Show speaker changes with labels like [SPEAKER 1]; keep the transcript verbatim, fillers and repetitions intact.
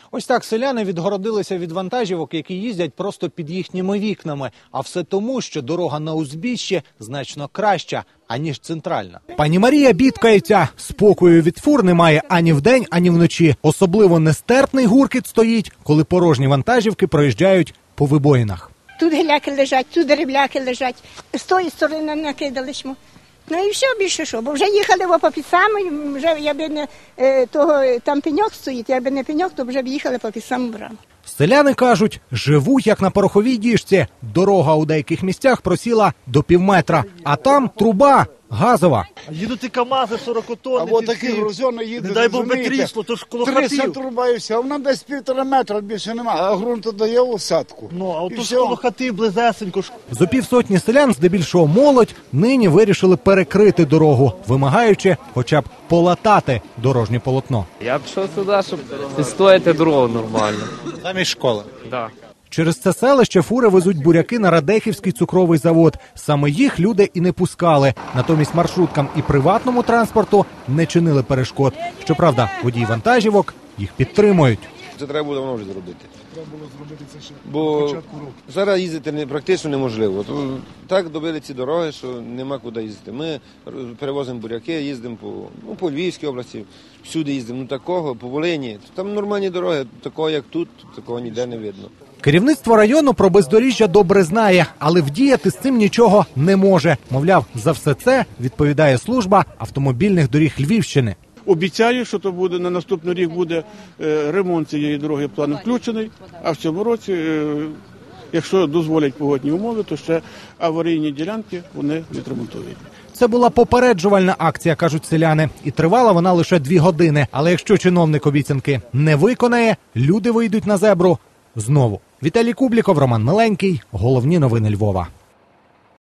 [SPEAKER 1] Ось так селяни відгородилися від вантажівок, які їздять просто під їхніми вікнами. А все тому, що дорога на узбіччі значно краща, аніж центральна. Пані Марія бідкається. Спокою від фур немає ані вдень, ані вночі. Особливо нестерпний гуркіт стоїть, коли порожні вантажівки проїжджають по вибоїнах.
[SPEAKER 2] Тут гіляки лежать, тут деревляки лежать. З тої сторони накидали шму. Ну і все, більше що, бо вже їхали в опопісами, вже якби не е, того, там пеньок стоїть, якби не пеньок, то вже б їхали по під браму.
[SPEAKER 1] Селяни кажуть, живуть як на пороховій діжці. Дорога у деяких місцях просіла до півметра, а там труба газова.
[SPEAKER 3] Їдуть і КАМАЗи сорок тонн.
[SPEAKER 4] А от такі грузони їдуть,
[SPEAKER 3] не дай Бог би крісло, то ж коло
[SPEAKER 4] тридцять
[SPEAKER 3] хатів.
[SPEAKER 4] труба і все, а вона десь півтора метра, більше немає, а ґрунту дає усадку.
[SPEAKER 3] Ну, а
[SPEAKER 4] І
[SPEAKER 3] от то ж
[SPEAKER 4] все.
[SPEAKER 3] коло хати близесенько.
[SPEAKER 1] Зо півсотні селян, здебільшого молодь, нині вирішили перекрити дорогу, вимагаючи хоча б полатати дорожнє полотно.
[SPEAKER 5] Я пішов сюди, щоб відстояти дорогу нормально.
[SPEAKER 1] Замість школи.
[SPEAKER 5] Да.
[SPEAKER 1] Через це селище фури везуть буряки на Радехівський цукровий завод. Саме їх люди і не пускали. Натомість маршруткам і приватному транспорту не чинили перешкод. Щоправда, водії вантажівок їх підтримують.
[SPEAKER 6] Це треба було давно вже зробити. Треба було зробити це ще Бо початку року. Зараз їздити не, практично неможливо. То, так добили ці дороги, що нема куди їздити. Ми перевозимо буряки, їздимо по, ну, по Львівській області, всюди їздимо. Ну такого, по Волині. Там нормальні дороги, такого як тут, такого ніде не видно.
[SPEAKER 1] Керівництво району про бездоріжжя добре знає, але вдіяти з цим нічого не може. Мовляв, за все це відповідає служба автомобільних доріг Львівщини.
[SPEAKER 7] Обіцяю, що то буде на наступний рік буде е, ремонт цієї дороги, план включений, а в цьому році, е, якщо дозволять погодні умови, то ще аварійні ділянки вони відремонтують.
[SPEAKER 1] Це була попереджувальна акція, кажуть селяни, і тривала вона лише дві години. Але якщо чиновник обіцянки не виконає, люди вийдуть на зебру знову. Віталій Кубліков, Роман Миленький. Головні новини Львова.